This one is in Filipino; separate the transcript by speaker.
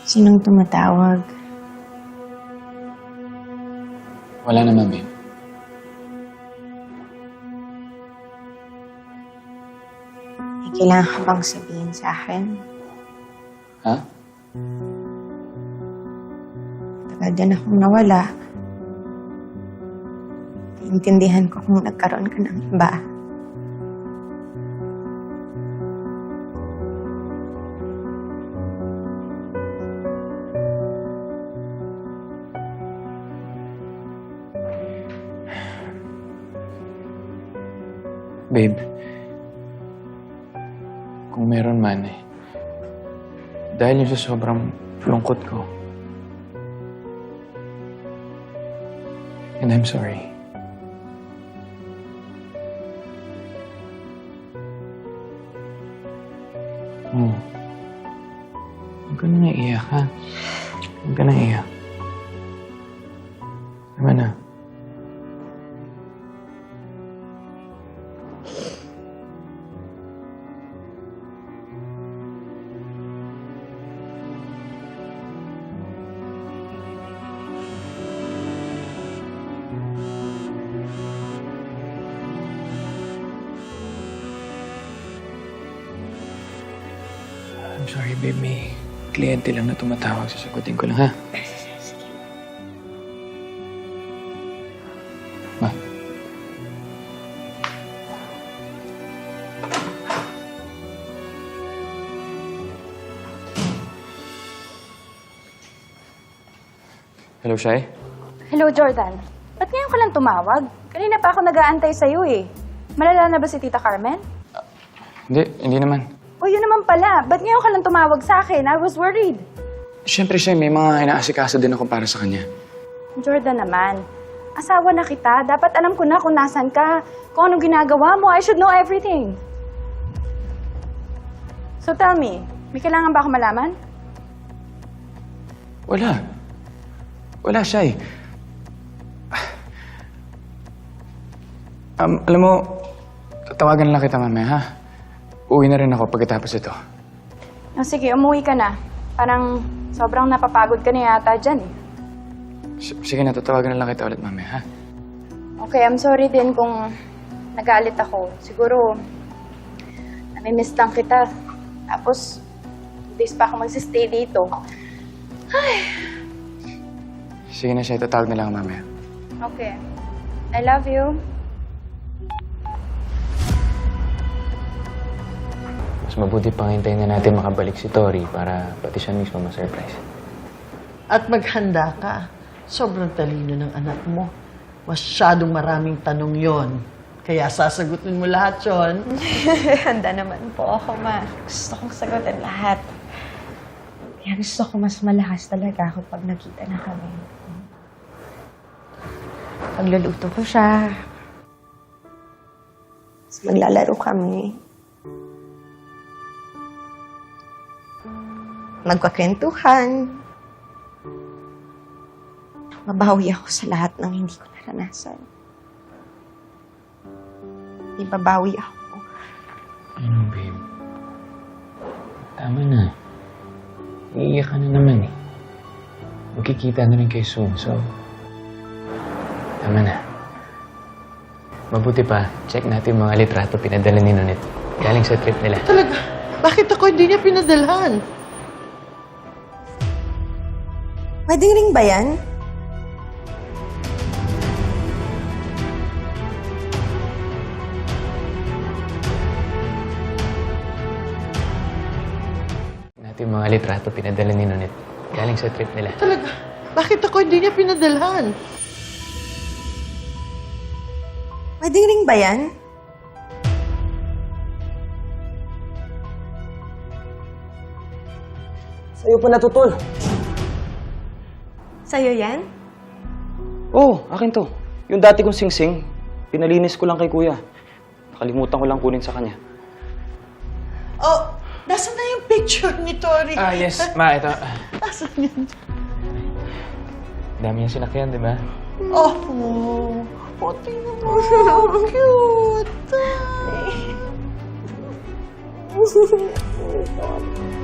Speaker 1: Sinong tumatawag?
Speaker 2: Wala naman, babe.
Speaker 1: May kailangan ka bang sabihin sa akin?
Speaker 2: Ha?
Speaker 1: Tagal din akong nawala. Naintindihan ko kung nagkaroon ka ng iba.
Speaker 2: Babe, kung meron man dahil yung sa sobrang lungkot ko. And I'm sorry. Oh. Huwag ka na naiyak, ha? Huwag ka na iyak. Tama na. I'm sorry, babe. May kliyente lang na tumatawag. Sasagutin ko lang, ha? Ma. Hello, Shai?
Speaker 3: Hello, Jordan. Ba't ngayon ka lang tumawag? Kanina pa ako nag-aantay sa'yo eh. Malala na ba si Tita Carmen?
Speaker 2: Hindi naman.
Speaker 3: O yun naman pala. Ba't ngayon ka lang tumawag sa akin? I was worried.
Speaker 2: Siyempre, Shai, may mga inaasikaso din ako para sa kanya.
Speaker 3: Jordan naman, asawa na kita. Dapat alam ko na kung nasan ka, kung anong ginagawa mo. I should know everything. So tell me, may kailangan ba ako malaman?
Speaker 2: Wala, Shai. Alam mo, tatawagan lang kita mamaya, ha? Uwi na rin ako pagkatapos ito.
Speaker 3: O sige, umuwi ka na. Parang sobrang napapagod ka na yata dyan eh.
Speaker 2: Sige na, tatawagan na lang kita ulit mamaya, ha?
Speaker 3: Okay, I'm sorry din kung nagalit ako. Siguro, nami-miss lang kita. Tapos, 2 days pa ako magsistay dito.
Speaker 2: Sige na, Shai, tatawag na lang mamaya.
Speaker 3: Okay. I love you.
Speaker 2: Mas mabuti pang hintayin na natin makabalik si Tori para pati siya mismo ma-surprise.
Speaker 4: At maghanda ka. Sobrang talino ng anak mo. Masyadong maraming tanong yon. Kaya sasagutin mo lahat yon.
Speaker 1: Handa naman po ako, ma. Gusto kong sagutin lahat. Kaya gusto ko mas malakas talaga ako pag nakita na kami. Pagluluto ko siya. Mas maglalaro kami. Magkakwentuhan. Mabawi ako sa lahat ng hindi ko naranasan. Ibabawi ako.
Speaker 2: Ano, babe? Tama na. Iiyak ka na naman eh. Magkikita na rin kayo soon, so... Tama na. Mabuti pa, check natin yung mga litrato pinadala ni Nonit. Galing sa trip nila.
Speaker 4: Talaga, bakit ako hindi niya pinadalhan?
Speaker 1: Pwedeng ring ba yan?
Speaker 2: Natin yung mga litrato pinadala ni Nonit. Galing sa trip nila.
Speaker 4: Talaga, bakit ako hindi niya pinadalhan?
Speaker 1: Pwedeng ring ba yan?
Speaker 5: Sa'yo pa natutol.
Speaker 1: Sa'yo yan?
Speaker 5: Oo, akin to. Yung dati kong singsing, pinalinis ko lang kay kuya. Nakalimutan ko lang kunin sa kanya.
Speaker 4: Oh, nasa na yung picture ni Tori?
Speaker 2: Yes. Ma, ito.
Speaker 4: Nasaan yan?
Speaker 2: Dami yung sinakyan, di ba?
Speaker 4: Oh, tingnan mo. So cute.